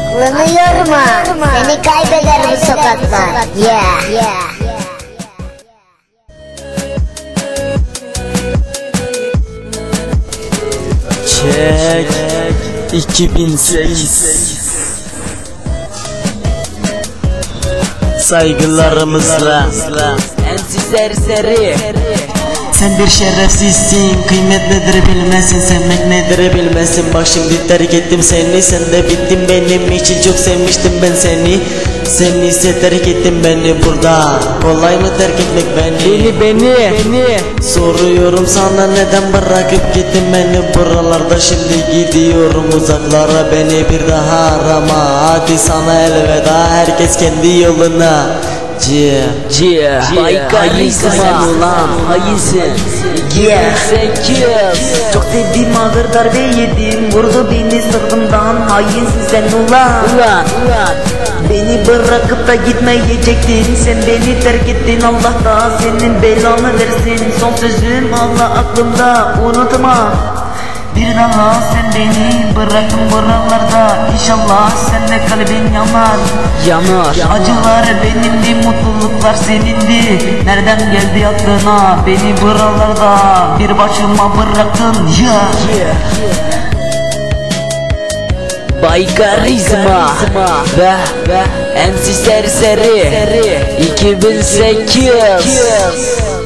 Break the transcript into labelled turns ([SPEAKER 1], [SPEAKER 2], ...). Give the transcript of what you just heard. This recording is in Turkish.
[SPEAKER 1] Aklını yorma, seni kaybeder bu sokaklar. Yeah.
[SPEAKER 2] Çek 2008 saygılarımızla ensiz serseri. Sen bir şerefsizsin, kıymet nedir bilmezsin, sevmek nedir bilmezsin. Bak şimdi terk ettim seni, sen de bittin benim için. Çok sevmiştim ben seni, sen ise terk ettin beni. Burada kolay mı terk etmek beni? Soruyorum sana, neden bırakıp gittin beni? Buralarda şimdi gidiyorum uzaklara, beni bir daha arama. Hadi sana elveda, herkes kendi yoluna.
[SPEAKER 3] Hainsin sen ulan, hainsin. Sen kim? Çok sevdiğim ağır darbe yedim, vurdu beni sırtımdan. Hainsin sen ulan. Beni bırakıp da gitmeyecektin, sen beni terk ettin. Allah da senin belanı versin. Son sözüm Allah aklımda, unutma. Bir daha sen beni bırakın buralarda. İnşallah sen de kalbin yanar. Acılar benimdi, mutluluklar senindi. Nereden geldi aklına beni buralarda bir başıma bıraktın ya? Baykarizma ve ensiz serseri 2008.